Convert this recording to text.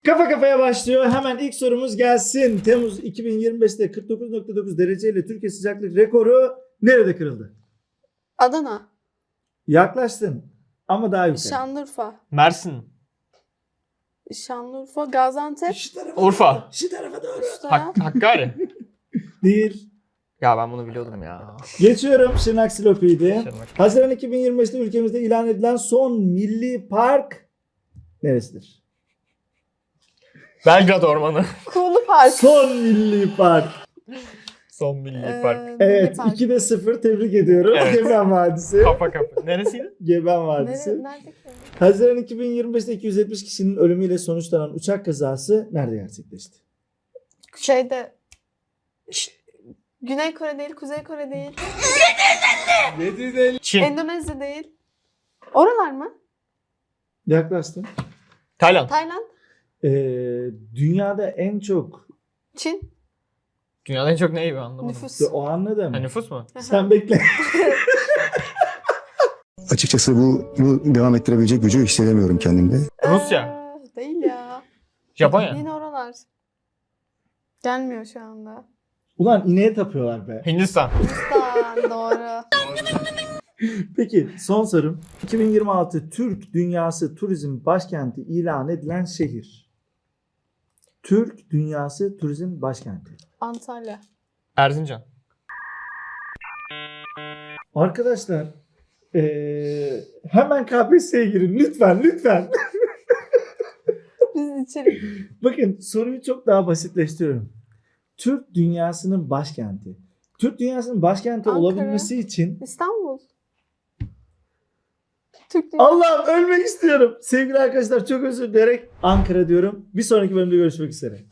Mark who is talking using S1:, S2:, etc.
S1: Kafa kafaya başlıyor. Hemen ilk sorumuz gelsin. Temmuz 2025'te 49,9 dereceyle Türkiye sıcaklık rekoru nerede kırıldı?
S2: Adana.
S1: Yaklaştın ama daha yukarı.
S2: Şanlıurfa.
S3: Mersin.
S2: Şanlıurfa. Gaziantep.
S1: Şu tarafa
S3: Urfa.
S1: doğru, şu tarafa doğru.
S2: Şu taraf.
S3: Hakkari.
S1: Değil.
S3: Ya ben bunu biliyordum ya.
S1: Geçiyorum. Şırnak Silopi'ydi.
S3: Şırnak.
S1: Haziran 2025'te ülkemizde ilan edilen son milli park neresidir?
S3: Belgrad Ormanı.
S2: Kuğulu Park.
S1: Son milli park.
S3: Son milli park.
S2: Milli
S1: Evet,
S2: Park.
S1: 2'de 0 tebrik ediyorum.
S3: Evet.
S1: Geben Vadisi.
S3: Kafa kafa. Neresiydi?
S1: Geben Vadisi.
S2: Nerede ki?
S1: Haziran 2025'te 270 kişinin ölümüyle sonuçlanan uçak kazası nerede gerçekleşti?
S2: Şeyde. Güney Kore değil, Kuzey Kore değil.
S3: Çin.
S2: Endonezya değil. Oralar mı?
S1: Yaklaştın.
S3: Tayland.
S2: Tayland.
S1: Dünyada en çok
S2: Çin.
S3: Dünyada en çok neyi anlamadım.
S2: Nüfus.
S1: o anladım.
S3: Ha, nüfus mu?
S1: Sen bekle.
S4: Açıkçası bunu devam ettirebilecek gücü hissedemiyorum kendimde.
S3: Rusya.
S2: Değil ya.
S3: Japonya.
S2: Yine oralar. Gelmiyor şu anda.
S1: Ulan ineğe tapıyorlar be.
S3: Hindistan.
S2: Hindistan doğru.
S1: Peki son sorum. 2026 Türk Dünyası Turizm Başkenti ilan edilen şehir. Türk Dünyası Turizm Başkenti.
S2: Antalya.
S3: Erzincan.
S1: Arkadaşlar hemen KPSS'ye girin lütfen lütfen.
S2: Biz içerik.
S1: Bakın soruyu çok daha basitleştiriyorum. Türk Dünyası'nın başkenti. Türk Dünyası'nın başkenti
S2: Ankara.
S1: olabilmesi için
S2: İstanbul. Türk Dünyası.
S1: Allah'ım ölmek istiyorum. Sevgili arkadaşlar çok özür dileyerek Ankara diyorum. Bir sonraki bölümde görüşmek üzere.